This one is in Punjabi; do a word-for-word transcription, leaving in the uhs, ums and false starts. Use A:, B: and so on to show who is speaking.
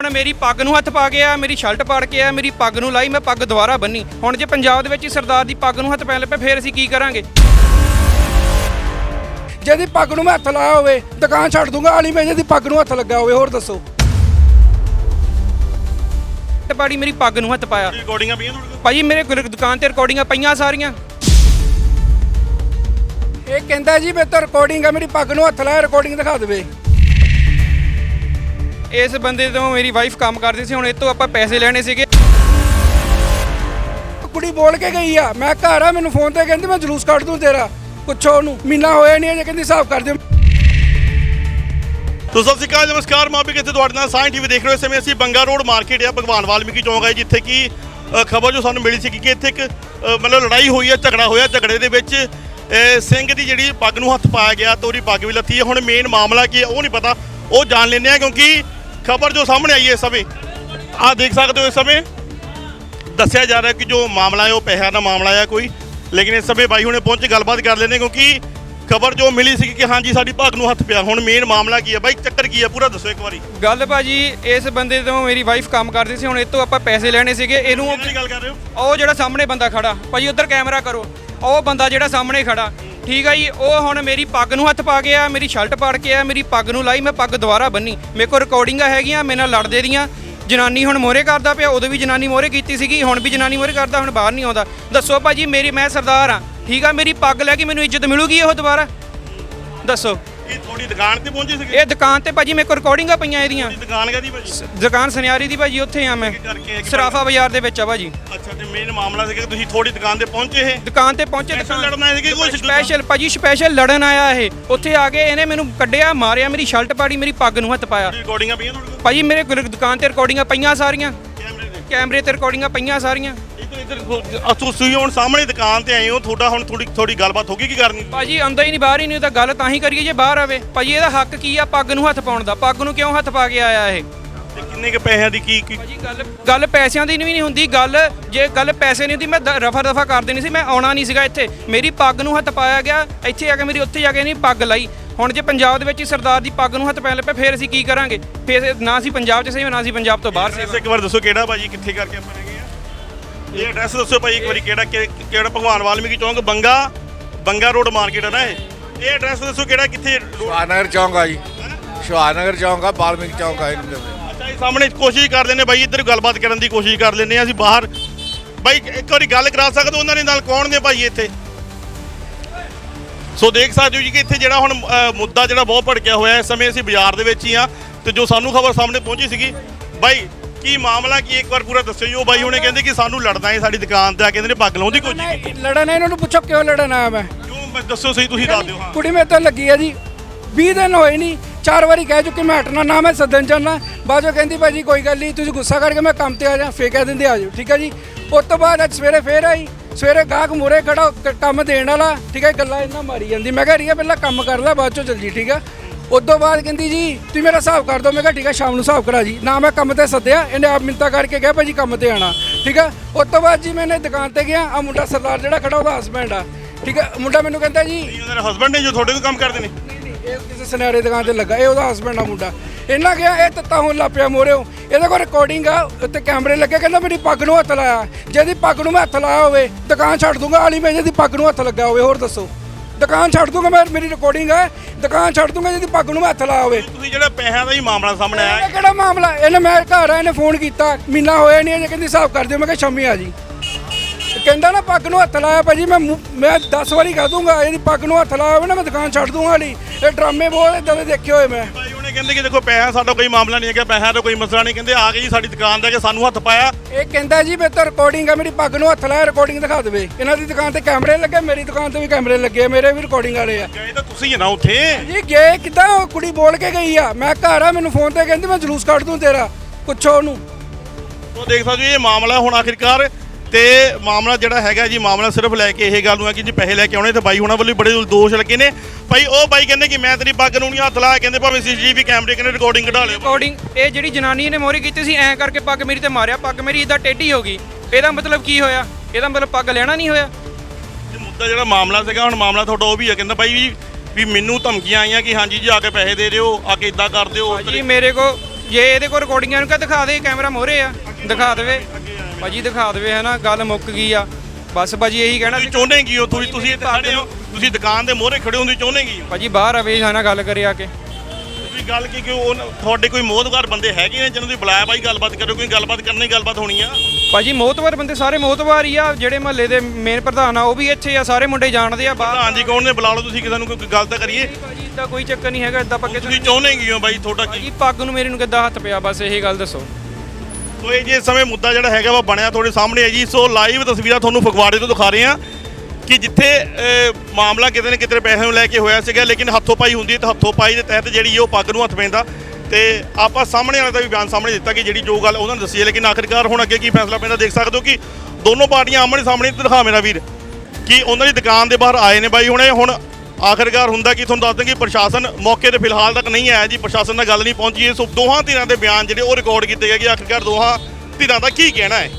A: ਹੁਣ ਮੇਰੀ ਪੱਗ ਨੂੰ ਹੱਥ ਪਾ ਗਿਆ, ਮੇਰੀ ਸ਼ਰਟ ਪਾੜ ਕੇ ਆ, ਮੇਰੀ ਪੱਗ ਨੂੰ ਲਾਈ, ਮੈਂ ਪੱਗ ਦੁਬਾਰਾ ਬੰਨੀ। ਹੁਣ ਜੇ ਪੰਜਾਬ ਦੇ ਵਿੱਚ ਹੀ ਸਰਦਾਰ ਦੀ ਪੱਗ ਨੂੰ ਹੱਥ ਪੈਣ ਲੱਪੇ ਫੇਰ ਅਸੀਂ ਕੀ ਕਰਾਂਗੇ?
B: ਜਿਹਦੀ ਪੱਗ ਨੂੰ ਮੈਂ ਹੱਥ ਲਾਇਆ ਹੋਵੇ ਦੁਕਾਨ ਛੱਡ ਦੂੰਗਾ। ਆਲੀ ਮੈਂ ਜਿਹਦੀ ਪੱਗ ਨੂੰ ਹੱਥ ਲੱਗਾ ਹੋਵੇ, ਹੋਰ ਦੱਸੋ।
A: ਪਾੜੀ ਮੇਰੀ ਪੱਗ ਨੂੰ ਹੱਥ ਪਾਇਆ।
C: ਰਿਕਾਰਡਿੰਗਾਂ ਪਈਆਂ ਤੁਹਾਡੇ ਕੋਲ?
A: ਭਾਜੀ ਮੇਰੇ ਕੋਲ ਦੁਕਾਨ ਤੇ ਰਿਕਾਰਡਿੰਗਾਂ ਪਈਆਂ ਸਾਰੀਆਂ।
B: ਇਹ ਕਹਿੰਦਾ ਜੀ ਮੇਰੇ ਤੋਂ ਰਿਕਾਰਡਿੰਗ ਆ, ਮੇਰੀ ਪੱਗ ਨੂੰ ਹੱਥ ਲਾਇਆ, ਰਿਕਾਰਡਿੰਗ ਦਿਖਾ ਦੇਵੇ।
A: ਇਸ ਬੰਦੇ ਤੋਂ ਮੇਰੀ ਵਾਈਫ ਕੰਮ ਕਰਦੀ ਸੀ, ਹੁਣ ਇਹ ਤੋਂ ਆਪਾਂ ਪੈਸੇ ਲੈਣੇ ਸੀਗੇ।
B: ਕੁੜੀ ਬੋਲ ਕੇ ਗਈ ਆ, ਮੈਂ ਘਰ ਆ, ਮੈਨੂੰ ਫੋਨ ਤੇ ਕਹਿੰਦੀ ਮੈਂ ਜਲੂਸ ਕੱਢ ਦੂੰ ਤੇਰਾ। ਪੁੱਛੋ ਉਹਨੂੰ, ਮਹੀਨਾ ਹੋਇਆ ਨਹੀਂ ਅਜੇ, ਕਹਿੰਦੀ ਹਿਸਾਬ ਕਰ ਦਿਓ।
C: ਤੋ ਸਤਿ ਸ਼੍ਰੀ ਅਕਾਲ, ਨਮਸਕਾਰ। ਮੈਂ ਵੀ ਕਿਤੇ ਤੁਹਾਡੇ ਨਾਲ ਸਾਇੰਸ ਟੀਵੀ ਦੇਖ ਰਹੇ ਹੋ। ਇਸ ਸਮੇਂ ਅਸੀਂ ਬੰਗਾ ਰੋਡ ਮਾਰਕੀਟ ਆ, ਭਗਵਾਨ ਵਾਲਮੀਕੀ ਚੌਂਕ ਹੈ, ਜਿੱਥੇ ਕਿ ਖਬਰ ਜੋ ਸਾਨੂੰ ਮਿਲੀ ਸੀ ਕਿ ਇੱਥੇ ਇੱਕ ਮਤਲਬ ਲੜਾਈ ਹੋਈ ਹੈ, ਝਗੜਾ ਹੋਇਆ। ਝਗੜੇ ਦੇ ਵਿੱਚ ਸਿੰਘ ਦੀ ਜਿਹੜੀ ਪੱਗ ਨੂੰ ਹੱਥ ਪਾਇਆ ਗਿਆ ਤੇ ਉਹਦੀ ਪੱਗ ਵੀ ਲੱਥੀ ਹੈ। ਹੁਣ ਮੇਨ ਮਾਮਲਾ ਕੀ ਹੈ ਉਹ ਨਹੀਂ ਪਤਾ, ਉਹ ਜਾਣ ਲੈਂਦੇ ਆ, ਕਿਉਂਕਿ ਖਬਰ ਜੋ ਸਾਹਮਣੇ ਆਈ ਹੈ ਇਸ ਸਮੇਂ ਆਹ ਦੇਖ ਸਕਦੇ ਹੋ। ਇਸ ਸਮੇਂ ਦੱਸਿਆ ਜਾ ਰਿਹਾ ਕਿ ਜੋ ਮਾਮਲਾ ਹੈ ਉਹ ਪੈਸਿਆਂ ਦਾ ਮਾਮਲਾ ਹੈ ਕੋਈ, ਲੇਕਿਨ ਇਸ ਸਮੇਂ ਬਾਈ ਹੁਣੇ ਪਹੁੰਚ ਕੇ ਗੱਲਬਾਤ ਕਰ ਲੈਂਦੇ, ਕਿਉਂਕਿ ਖਬਰ ਜੋ ਮਿਲੀ ਸੀ ਕਿ ਹਾਂਜੀ ਸਾਡੀ ਪੱਗ ਨੂੰ ਹੱਥ ਪਿਆ। ਹੁਣ ਮੇਨ ਮਾਮਲਾ ਕੀ ਹੈ ਬਾਈ, ਚੱਕਰ ਕੀ ਹੈ ਪੂਰਾ ਦੱਸੋ ਇੱਕ ਵਾਰੀ।
A: ਗੱਲ ਭਾਜੀ ਇਸ ਬੰਦੇ ਤੋਂ ਮੇਰੀ ਵਾਈਫ ਕੰਮ ਕਰਦੀ ਸੀ, ਹੁਣ ਇਹ ਤੋਂ ਆਪਾਂ ਪੈਸੇ ਲੈਣੇ ਸੀਗੇ। ਇਹਨੂੰ
C: ਕਿਹੜੀ ਗੱਲ ਕਰ ਰਹੇ ਹੋ?
A: ਉਹ ਜਿਹੜਾ ਸਾਹਮਣੇ ਬੰਦਾ ਖੜਾ ਭਾਜੀ, ਉਧਰ ਕੈਮਰਾ ਕਰੋ, ਉਹ ਬੰਦਾ ਜਿਹੜਾ ਸਾਹਮਣੇ ਖੜਾ, ਠੀਕ ਆ ਜੀ। ਉਹ ਹੁਣ ਮੇਰੀ ਪੱਗ ਨੂੰ ਹੱਥ ਪਾ ਗਿਆ, ਮੇਰੀ ਸ਼ਰਟ ਪਾੜ ਕੇ ਆ, ਮੇਰੀ ਪੱਗ ਨੂੰ ਲਾਈ, ਮੈਂ ਪੱਗ ਦੁਬਾਰਾ ਬੰਨੀ। ਮੇਰੇ ਕੋਲ ਰਿਕਾਰਡਿੰਗਾਂ ਹੈਗੀਆਂ, ਮੇਰੇ ਨਾਲ ਲੜਦੇ ਦੀਆਂ। ਜਨਾਨੀ ਹੁਣ ਮੋਹਰੇ ਕਰਦਾ ਪਿਆ, ਉਦੋਂ ਵੀ ਜਨਾਨੀ ਮੋਹਰੇ ਕੀਤੀ ਸੀਗੀ, ਹੁਣ ਵੀ ਜਨਾਨੀ ਮੋਹਰੇ ਕਰਦਾ, ਹੁਣ ਬਾਹਰ ਨਹੀਂ ਆਉਂਦਾ। ਦੱਸੋ ਭਾਜੀ, ਮੇਰੀ ਮੈਂ ਸਰਦਾਰ ਆ, ਠੀਕ ਆ, ਮੇਰੀ ਪੱਗ ਲੈ ਕੇ ਮੈਨੂੰ ਇੱਜ਼ਤ ਮਿਲੂਗੀ ਉਹ ਦੁਬਾਰਾ? ਦੱਸੋ।
C: ਇਹ ਤੁਹਾਡੀ ਦੁਕਾਨ ਤੇ ਪਹੁੰਚੇ ਸੀਗੇ?
A: ਇਹ ਦੁਕਾਨ ਤੇ ਭਾਜੀ ਮੇਰੇ ਕੋਲ ਰਿਕਾਰਡਿੰਗਾਂ ਪਈਆਂ ਇਹਦੀਆਂ।
C: ਦੁਕਾਨ ਕਾਹਦੀ ਭਾਜੀ?
A: ਦੁਕਾਨ ਸੁਨਿਆਰੀ ਦੀ ਭਾਜੀ, ਉੱਥੇ ਆ ਮੈਂ, ਸਰਾਫਾ ਬਾਜ਼ਾਰ ਦੇ ਵਿੱਚ ਆ ਭਾਜੀ।
C: ਅੱਛਾ, ਤੇ ਮੇਨ ਮਾਮਲਾ ਸੀ ਕਿ ਤੁਸੀਂ ਥੋੜੀ ਦੁਕਾਨ ਤੇ ਪਹੁੰਚੇ। ਇਹ
A: ਦੁਕਾਨ ਤੇ ਪਹੁੰਚੇ, ਦੁਕਾਨ
C: ਲੜਨ ਆਏ ਸੀਗੇ ਕੋਈ?
A: ਸਪੈਸ਼ਲ ਭਾਜੀ, ਸਪੈਸ਼ਲ ਲੜਨ ਆਇਆ ਇਹ। ਉੱਥੇ ਆ ਕੇ ਇਹਨੇ ਮੈਨੂੰ ਕੱਢਿਆ, ਮਾਰਿਆ, ਮੇਰੀ ਸ਼ਰਟ ਪਾੜੀ, ਮੇਰੀ ਪੱਗ ਨੂੰ ਹੱਥ ਪਾਇਆ।
C: ਰਿਕਾਰਡਿੰਗਾਂ ਪਈਆਂ ਤੁਹਾਡੇ ਕੋਲ?
A: ਭਾਜੀ ਮੇਰੇ ਕੋਲ ਦੁਕਾਨ ਤੇ ਰਿਕਾਰਡਿੰਗਾਂ ਪਈਆਂ ਸਾਰੀਆਂ,
C: ਕੈਮਰੇ ਤੇ?
A: ਕੈਮਰੇ ਤੇ ਰਿਕਾਰਡਿੰਗਾਂ ਪਈਆਂ ਸਾਰੀਆਂ।
C: ਇੱਧਰ ਇੱਧਰ ਤੁਸੀਂ ਹੁਣ ਸਾਹਮਣੇ ਦੁਕਾਨ ਤੇ ਆਏ ਹੋ, ਤੁਹਾਡਾ ਹੁਣ ਥੋੜੀ ਥੋੜੀ ਗੱਲਬਾਤ ਹੋ ਗਈ, ਕੀ ਕਰਨੀ?
A: ਭਾਜੀ ਆਉਂਦਾ ਹੀ ਨਹੀਂ, ਬਾਹਰ ਹੀ ਨਹੀਂ, ਤਾਂ ਗੱਲ ਤਾਂ ਹੀ ਕਰੀਏ ਜੇ ਬਾਹਰ ਆਵੇ। ਭਾਜੀ ਇਹਦਾ ਹੱਕ ਕੀ ਆ ਪੱਗ ਨੂੰ ਹੱਥ ਪਾਉਣ ਦਾ? ਪੱਗ ਨੂੰ ਕਿਉਂ ਹੱਥ ਪਾ ਕੇ ਆਇਆ ਇਹ?
C: ਤੇ ਕਿੰਨੇ ਕੁ ਪੈਸਿਆਂ ਦੀ ਕੀ ਕੀ?
A: ਭਾਜੀ ਗੱਲ ਗੱਲ ਪੈਸਿਆਂ ਦੀ ਵੀ ਨਹੀਂ ਹੁੰਦੀ ਗੱਲ। ਜੇ ਗੱਲ ਪੈਸੇ ਨਹੀਂ ਹੁੰਦੀ ਮੈਂ ਦ- ਰਫਾ ਦਫਾ ਕਰ ਦੇਣੀ ਸੀ, ਮੈਂ ਆਉਣਾ ਨਹੀਂ ਸੀਗਾ ਇੱਥੇ। ਮੇਰੀ ਪੱਗ ਨੂੰ ਹੱਥ ਪਾਇਆ ਗਿਆ, ਇੱਥੇ ਆ ਕੇ ਮੇਰੀ ਉੱਥੇ ਜਾ ਕੇ ਨਹੀਂ ਪੱਗ ਲਾਈ। ਹੁਣ ਜੇ ਪੰਜਾਬ ਦੇ ਵਿੱਚ ਹੀ ਸਰਦਾਰ ਦੀ ਪੱਗ ਨੂੰ ਹੱਥ ਪੈਣ ਲੱਪੇ ਫੇਰ ਅਸੀਂ ਕੀ ਕਰਾਂਗੇ? ਫੇਰ ਨਾ ਅਸੀਂ ਪੰਜਾਬ 'ਚ ਸਹੀ, ਨਾ ਅਸੀਂ ਪੰਜਾਬ ਤੋਂ ਬਾਹਰ ਸਹੀ।
C: ਇੱਕ ਵਾਰ ਦੱਸੋ ਕਿਹੜਾ ਭਾਜੀ, ਕਿੱਥੇ ਕਰਕੇ ਆਪਾਂ ਹੈਗੇ ਆ? ਇਹ ਐਡਰੈਸ ਦੱਸੋ ਭਾਈ ਇੱਕ ਵਾਰੀ, ਕਿਹੜਾ ਕਿ- ਕਿਹੜਾ? ਭਗਵਾਨ ਵਾਲਮੀਕੀ ਚੌਂਕ, ਬੰਗਾ ਬੰਗਾ ਰੋਡ ਮਾਰਕੀਟ ਹੈ ਨਾ ਇਹ? ਇਹ ਐਡਰੈਸ ਦੱਸੋ ਕਿਹੜਾ, ਕਿੱਥੇ?
D: ਸ਼ਹਾਨਗਰ ਚੌਂਕ ਆ ਜੀ, ਸ਼ਹਾਨਗਰ ਚੌਂਕ ਆ, ਵਾਲਮੀਕੀ ਚੌਂਕ ਆ।
C: ਅੱਛਾ, ਇਹ ਸਾਹਮਣੇ ਕੋਸ਼ਿਸ਼ ਕਰ ਲੈਂਦੇ ਬਾਈ, ਇੱਧਰ ਗੱਲਬਾਤ ਕਰਨ ਦੀ ਕੋਸ਼ਿਸ਼ ਕਰ ਲੈਂਦੇ ਆ ਅਸੀਂ ਬਾਹਰ। ਬਾਈ ਇੱਕ ਵਾਰੀ ਗੱਲ ਕਰਾ ਸਕਦੇ ਉਹਨਾਂ ਦੇ ਨਾਲ? ਕੌਣ ਨੇ ਭਾਈ ਇੱਥੇ? ਸੋ ਦੇਖ ਸਕਦੇ ਹੋ ਜੀ ਕਿ ਇੱਥੇ ਜਿਹੜਾ ਹੁਣ ਅ, ਮੁੱਦਾ ਜਿਹੜਾ ਬਹੁਤ ਭੜਕਿਆ ਹੋਇਆ। ਇਸ ਸਮੇਂ ਅਸੀਂ ਬਾਜ਼ਾਰ ਦੇ ਵਿੱਚ ਹੀ ਆ, ਤੇ ਜੋ ਸਾਨੂੰ ਖਬਰ ਸਾਹਮਣੇ ਪਹੁੰਚੀ ਸੀਗੀ, ਬਾਈ ਕੀ ਮਾਮਲਾ ਕੀ ਇੱਕ ਵਾਰ ਪੂਰਾ ਦੱਸਿਓ ਜੀ। ਉਹ ਬਾਈ ਹੁਣੇ ਕਹਿੰਦੇ ਕਿ ਸਾਨੂੰ ਲੜਨਾ ਹੈ ਸਾਡੀ ਦੁਕਾਨ ਤੇ ਆ, ਕਹਿੰਦੇ ਨੇ ਪੱਗ ਲਾਉਣ ਦੀ ਕੋਸ਼ਿਸ਼ ਕੀਤੀ।
B: ਲੜਨ ਇਹਨਾਂ ਨੂੰ ਪੁੱਛੋ ਕਿਉਂ ਲੜਨ ਆਇਆ ਮੈਂ?
C: ਕਿਉਂ? ਮੈਂ ਦੱਸੋ ਸਹੀ, ਤੁਸੀਂ ਦੱਸ ਦਿਓ। ਹਾਂ,
B: ਕੁੜੀ ਮੇਰੇ ਤੋਂ ਲੱਗੀ ਆ ਜੀ, ਵੀਹ ਦਿਨ ਹੋਏ ਨਹੀਂ, ਚਾਰ ਵਾਰੀ ਕਹਿ ਚੁੱਕੀ ਮੈਂ ਹਟਣਾ ਨਾ, ਮੈਂ ਸੱਦਣ ਚਾਹੁੰਦਾ। ਬਾਅਦ ਚੋਂ ਕਹਿੰਦੀ ਭਾਜੀ ਕੋਈ ਗੱਲ ਨਹੀਂ, ਤੁਸੀਂ ਗੁੱਸਾ ਕਰਕੇ ਮੈਂ ਕੰਮ ਤੇ ਆ ਜਾ, ਫੇਰ ਕਹਿ ਦਿੰਦੇ ਆ ਜਾਓ, ਠੀਕ ਹੈ ਜੀ। ਉਸ ਤੋਂ ਬਾਅਦ ਅੱਜ ਸਵੇਰੇ ਫੇਰ ਆਈ, ਸਵੇਰੇ ਗਾਹਕ ਮੂਹਰੇ ਖੜਾ ਕ- ਕੰਮ ਦੇਣ ਵਾਲਾ, ਠੀਕ ਹੈ, ਗੱਲਾਂ ਇਹਨਾਂ ਮਾਰੀ ਜਾਂਦੀ। ਮੈਂ ਕਿਹਾ ਰੀਆ ਪਹਿਲਾਂ ਕੰਮ ਕਰ ਲੈ, ਬਾਅਦ ਚੋਂ ਚੱਲ ਜੀ, ਠੀਕ ਹੈ। ਉਸ ਤੋਂ ਬਾਅਦ ਕਹਿੰਦੀ ਜੀ ਤੁਸੀਂ ਮੇਰਾ ਹਿਸਾਬ ਕਰ ਦਿਓ। ਮੈਂ ਕਿਹਾ ਠੀਕ ਹੈ, ਸ਼ਾਮ ਨੂੰ ਹਿਸਾਬ ਕਰਾ ਜੀ। ਨਾ ਮੈਂ ਕੰਮ ਤੇ ਸੱਦਿਆ, ਇਹਨੇ ਆਪ ਮਿੰਤਾ ਕਰਕੇ ਗਿਆ ਭਾਜੀ ਕੰਮ ਤੇ ਆਣਾ, ਠੀਕ ਹੈ। ਉਸ ਤੋਂ ਬਾਅਦ ਜੀ ਮੈਨੇ ਦੁਕਾਨ ਤੇ ਗਿਆ, ਆ ਮੁੰਡਾ ਸਰਦਾਰ ਜਿਹੜਾ ਖੜਾ ਉਹਦਾ ਹਸਬੈਂਡ ਆ, ਠੀਕ ਹੈ। ਮੁੰਡਾ ਮੈਨੂੰ ਕਹਿੰਦਾ ਜੀ
C: ਇਹਨਾਂ ਦੇ ਹਸਬੰਡ ਨੇ ਜੋ ਤੁਹਾਡੇ ਕੋਲ ਕੰਮ ਕਰਦੇ ਨੇ?
B: ਇਹ ਕਿਸੇ ਸੁਨਿਆਰੇ ਦੁਕਾਨ ਤੇ ਲੱਗਾ, ਇਹ ਉਹਦਾ ਹਸਬੈਂਡ ਆ ਮੁੰਡਾ। ਇਹਨਾਂ ਗਿਆ ਇਹ ਤੱਤਾ ਹੁਣ ਲਾਪਿਆ ਮੋਰਿਓ, ਇਹਦੇ ਕੋਲ ਰਿਕਾਰਡਿੰਗ ਆ, ਉੱਤੇ ਕੈਮਰੇ ਲੱਗੇ। ਕਹਿੰਦਾ ਮੇਰੀ ਪੱਗ ਨੂੰ ਹੱਥ ਲਾਇਆ, ਜਿਹਦੀ ਪੱਗ ਨੂੰ ਮੈਂ ਹੱਥ ਲਾਇਆ ਹੋਵੇ ਦੁਕਾਨ ਛੱਡ ਦੂੰਗਾ। ਆਲੀ ਮੈਂ ਜਿਹਦੀ ਪੱਗ ਨੂੰ ਹੱਥ ਲੱਗਾ ਹੋਵੇ, ਹੋਰ ਦੱਸੋ। ਦੁਕਾਨ ਛੱਡ ਦੂੰਗਾ ਮੈਂ, ਮੇਰੀ ਰਿਕਾਰਡਿੰਗ ਹੈ, ਦੁਕਾਨ ਛੱਡ ਦੂੰਗਾ ਜਿਹਦੀ ਪੱਗ ਨੂੰ ਮੈਂ ਹੱਥ ਲਾਇਆ ਹੋਵੇ।
C: ਤੁਸੀਂ ਜਿਹੜਾ ਪੈਸਿਆਂ ਦਾ ਹੀ ਮਾਮਲਾ ਸਾਹਮਣੇ ਆਇਆ,
B: ਇਹ ਕਿਹੜਾ ਮਾਮਲਾ? ਇਹਨੇ ਮੈਂ ਘਰ ਆ, ਇਹਨੇ ਫੋਨ ਕੀਤਾ, ਮਹੀਨਾ ਹੋਇਆ ਨਹੀਂ ਅਜੇ, ਕਹਿੰਦੀ ਹਿਸਾਬ ਕਰ ਦਿਓ। ਮੈਂ ਕਿਹਾ ਸ਼ਾਮੀ ਆ ਜੀ। ਕਹਿੰਦਾ ਨਾ ਪੱਗ ਨੂੰ ਹੱਥ ਲਾਇਆ ਭਾਜੀ, ਮੈਂ ਮੈਂ ਦਸ ਵਾਰੀ ਕਹਿ ਦੂੰਗਾ ਇਹਦੀ ਪੱਗ ਨੂੰ ਹੱਥ ਲਾਇਆ ਹੋਵੇ ਨਾ, ਮੈਂ ਦੁਕਾਨ ਛੱਡ ਦੂੰਗਾ। ਵਾਲੀ ਇਹ ਡਰਾਮੇ ਬਹੁਤ ਇਦਾਂ ਦੇ ਦੇਖੇ ਹੋਏ ਮੈਂ।
C: ਭਾਈ ਉਹਨੇ ਕਹਿੰਦੇ ਕਿ ਦੇਖੋ ਪੈਸਾ ਸਾਡਾ ਕੋਈ ਮਾਮਲਾ ਨਹੀਂ ਹੈਗਾ, ਪੈਸਾ ਦਾ ਕੋਈ ਮਸਲਾ ਨਹੀਂ। ਕਹਿੰਦੇ ਆ ਕੇ ਜੀ ਸਾਡੀ ਦੁਕਾਨ ਤੇ ਆ ਕੇ ਸਾਨੂੰ ਹੱਥ ਪਾਇਆ।
B: ਇਹ ਕਹਿੰਦਾ ਜੀ ਮੇਰੇ ਤੋਂ ਰਿਕਾਰਡਿੰਗ ਆ, ਮੇਰੀ ਪੱਗ ਨੂੰ ਹੱਥ ਲਾਇਆ, ਰਿਕਾਰਡਿੰਗ ਦਿਖਾ ਦੇਵੇ। ਇਹਨਾਂ ਦੀ ਦੁਕਾਨ ਤੇ ਕੈਮਰੇ ਲੱਗੇ, ਮੇਰੀ ਦੁਕਾਨ ਤੇ ਵੀ ਕੈਮਰੇ ਲੱਗੇ, ਮੇਰੇ ਵੀ ਰਿਕਾਰਡਿੰਗ ਵਾਲੇ ਆ।
C: ਗਏ ਤਾਂ ਤੁਸੀਂ ਹੀ ਨਾ ਉੱਥੇ
B: ਜੀ ਗਏ ਕਿੱਦਾਂ? ਉਹ ਕੁੜੀ ਬੋਲ ਕੇ ਗਈ ਆ, ਮੈਂ ਘਰ ਆ, ਮੈਨੂੰ ਫੋਨ ਤੇ ਕਹਿੰਦੀ ਮੈਂ ਜਲੂਸ ਕੱਢ ਦੂੰ ਤੇਰਾ। ਪੁੱਛੋ ਉਹਨੂੰ।
C: ਉਹ ਦੇਖ ਸਕਦੇ ਹੋ ਇਹ ਮਾਮਲਾ ਹੁਣ ਆਖਿਰਕਾਰ। ਤੇ ਮਾਮਲਾ ਜਿਹੜਾ ਹੈਗਾ ਜੀ, ਮਾਮਲਾ ਸਿਰਫ ਲੈ ਕੇ ਇਹ ਗੱਲ ਨੂੰ ਹੈ ਕਿ ਜੀ ਪੈਸੇ ਲੈ ਕੇ ਆਉਣੇ, ਤੇ ਬਾਈ ਹੁਣਾਂ ਵੱਲੋਂ ਬੜੇ ਦੋਸ਼ ਲੱਗੇ ਨੇ। ਭਾਈ ਉਹ ਬਾਈ ਕਹਿੰਦੇ ਕਿ ਮੈਂ ਤੇਰੀ ਪੱਗ ਨੂੰ ਨਹੀਂ ਹੱਥ ਲਾਇਆ, ਕਹਿੰਦੇ ਭਾਵੇਂ ਸੀਸੀਟੀਵੀ ਕੈਮਰੇ ਕਹਿੰਦੇ ਰਿਕਾਰਡਿੰਗ ਕਢਾ ਲਿਓ।
A: ਰਿਕਾਰਡਿੰਗ ਇਹ ਜਿਹੜੀ ਜਨਾਨੀ ਨੇ ਮੋਹਰੀ ਕੀਤੀ ਸੀ, ਐਂ ਕਰਕੇ ਪੱਗ ਮੇਰੀ ਤੇ ਮਾਰਿਆ, ਪੱਗ ਮੇਰੀ ਇਦਾਂ ਟੇਢੀ ਹੋ ਗਈ। ਇਹਦਾ ਮਤਲਬ ਕੀ ਹੋਇਆ? ਇਹਦਾ ਮਤਲਬ ਪੱਗ ਲੈਣਾ ਨਹੀਂ ਹੋਇਆ।
C: ਤੇ ਮੁੱਦਾ ਜਿਹੜਾ ਮਾਮਲਾ ਸੀਗਾ, ਹੁਣ ਮਾਮਲਾ ਤੁਹਾਡਾ ਉਹ ਵੀ ਹੈ, ਕਹਿੰਦਾ ਬਾਈ ਵੀ ਵੀ ਮੈਨੂੰ ਧਮਕੀਆਂ ਆਈਆਂ ਕਿ ਹਾਂਜੀ ਜੀ ਆ ਕੇ ਪੈਸੇ ਦੇ ਦਿਓ, ਆ ਕੇ ਇਦਾਂ ਕਰ ਦਿਓ।
A: ਜੀ ਮੇਰੇ ਕੋ ਜੇ ਇਹਦੇ ਕੋਲ ਰਿਕਾਰਡਿੰਗਾਂ ਨੂੰ ਕਹ ਦਿਖਾ ਦੇ, ਕੈਮਰਾ ਮੋਹਰੇ ਆ, ਦਿਖਾ ਦੇਵੇ ਭਾਜੀ, ਦਿਖਾ ਦੇਵੇ ਹੈ ਨਾ, ਗੱਲ ਮੁੱਕ ਗਈ ਆ ਬਸ ਭਾਜੀ। ਇਹੀ ਕਹਿਣਾ
C: ਤੁਸੀਂ ਚਾਹੁੰਦੇ ਕੀ ਹੋ? ਤੁਸੀਂ ਤੁਸੀਂ ਇੱਥੇ ਖੜੇ ਹੋ, ਤੁਸੀਂ ਦੁਕਾਨ ਦੇ ਮੋਹਰੇ ਖੜੇ ਹੋ, ਤੁਸੀਂ ਚਾਹੁੰਦੇ ਕੀ ਹੋ?
A: ਭਾਜੀ ਬਾਹਰ ਆਵੇ ਹੈ ਨਾ, ਗੱਲ ਕਰੇ ਆ ਕੇ।
C: ਤੁਸੀਂ ਗੱਲ ਕੀ ਕਿਉਂ? ਤੁਹਾਡੇ ਕੋਈ ਮੋਹਤਵਾਰ ਬੰਦੇ ਹੈਗੇ ਨੇ ਜਿਹਨਾਂ ਤੁਸੀਂ ਬੁਲਾਇਆ ਬਾਈ ਗੱਲਬਾਤ ਕਰੋ, ਕੋਈ ਗੱਲਬਾਤ ਕਰਨੀ ਗੱਲਬਾਤ ਹੋਣੀ ਆ?
A: ਭਾਜੀ ਮੋਹਤਵਾਰ ਬੰਦੇ ਸਾਰੇ ਮੋਹਤਵਾਰ ਹੀ ਆ, ਜਿਹੜੇ ਮਹੱਲੇ ਦੇ ਮੇਨ ਪ੍ਰਧਾਨ ਆ ਉਹ ਵੀ ਇੱਥੇ ਆ, ਸਾਰੇ ਮੁੰਡੇ ਜਾਣਦੇ ਆ ਬਾਹਰ।
C: ਪ੍ਰਧਾਨ ਜੀ ਕੌਣ ਨੇ? ਬੁਲਾ ਲਓ ਤੁਸੀਂ ਕਿਸੇ ਨੂੰ, ਕੋਈ ਗੱਲ ਤਾਂ ਕਰੀਏ।
A: ਭਾਜੀ ਇਦਾਂ ਕੋਈ ਚੱਕਰ ਨਹੀਂ ਹੈਗਾ, ਇਦਾਂ ਪੱਕੇ
C: ਤੁਸੀਂ ਚਾਹੁੰਦੇ ਕੀ ਹੋ ਬਾਈ? ਤੁਹਾਡਾ ਕੀ?
A: ਭਾਜੀ ਪੱਗ ਨੂੰ ਮੇਰੇ ਨੂੰ ਕਿੱਦਾਂ ਹੱਥ ਪਿਆ, ਬਸ ਇਹੀ ਗੱਲ ਦੱਸੋ।
C: ਸੋ ਇਹ ਜੀ ਇਸ ਸਮੇਂ ਮੁੱਦਾ ਜਿਹੜਾ ਹੈਗਾ ਵਾ ਬਣਿਆ ਤੁਹਾਡੇ ਸਾਹਮਣੇ ਹੈ ਜੀ। ਸੋ ਲਾਈਵ ਤਸਵੀਰਾਂ ਤੁਹਾਨੂੰ ਫਗਵਾੜੇ ਤੋਂ ਦਿਖਾ ਰਹੇ ਹਾਂ ਕਿ ਜਿੱਥੇ ਅ, ਮਾਮਲਾ ਕਿਤੇ ਨਾ ਕਿਤੇ ਪੈਸੇ ਨੂੰ ਲੈ ਕੇ ਹੋਇਆ ਸੀਗਾ, ਲੇਕਿਨ ਹੱਥੋਂ ਪਾਈ ਹੁੰਦੀ ਹੈ ਤਾਂ ਹੱਥੋਂ ਪਾਈ ਦੇ ਤਹਿਤ ਜਿਹੜੀ ਉਹ ਪੱਗ ਨੂੰ ਹੱਥ ਪੈਂਦਾ। ਤੇ ਆਪਾਂ ਸਾਹਮਣੇ ਵਾਲੇ ਦਾ ਵੀ ਬਿਆਨ ਸਾਹਮਣੇ ਦਿੱਤਾ ਕਿ ਜਿਹੜੀ ਜੋ ਗੱਲ ਉਹਨਾਂ ਨੇ ਦੱਸੀ ਹੈ, ਲੇਕਿਨ ਆਖਿਰਕਾਰ ਹੁਣ ਅੱਗੇ ਕੀ ਫੈਸਲਾ ਪੈਂਦਾ ਦੇਖ ਸਕਦੇ ਹੋ ਕਿ ਦੋਨੋਂ ਪਾਰਟੀਆਂ ਆਮਣੇ ਸਾਹਮਣੇ ਤੇ ਦਿਖਾ ਮੇਰਾ ਵੀਰ ਕਿ ਉਹਨਾਂ ਦੀ ਦੁਕਾਨ ਦੇ ਬਾਹਰ ਆਏ ਨੇ ਬਾਈ ਹੁਣੇ। ਹੁਣ ਆਖਿਰਕਾਰ ਹੁੰਦਾ ਕਿ ਤੁਹਾਨੂੰ ਦੱਸ ਦਿਆਂ ਕਿ ਪ੍ਰਸ਼ਾਸਨ ਮੌਕੇ ਤੇ ਫਿਲਹਾਲ ਤੱਕ ਨਹੀਂ ਆਇਆ ਜੀ, ਪ੍ਰਸ਼ਾਸਨ ਨਾਲ ਗੱਲ ਨਹੀਂ ਪਹੁੰਚੀ। ਸੋ ਦੋਹਾਂ ਧਿਰਾਂ ਦੇ ਬਿਆਨ ਜਿਹੜੇ ਉਹ ਰਿਕਾਰਡ ਕੀਤੇ ਗਏ ਕਿ ਆਖਿਰਕਾਰ ਦੋਹਾਂ ਧਿਰਾਂ ਦਾ ਕੀ ਕਹਿਣਾ ਹੈ।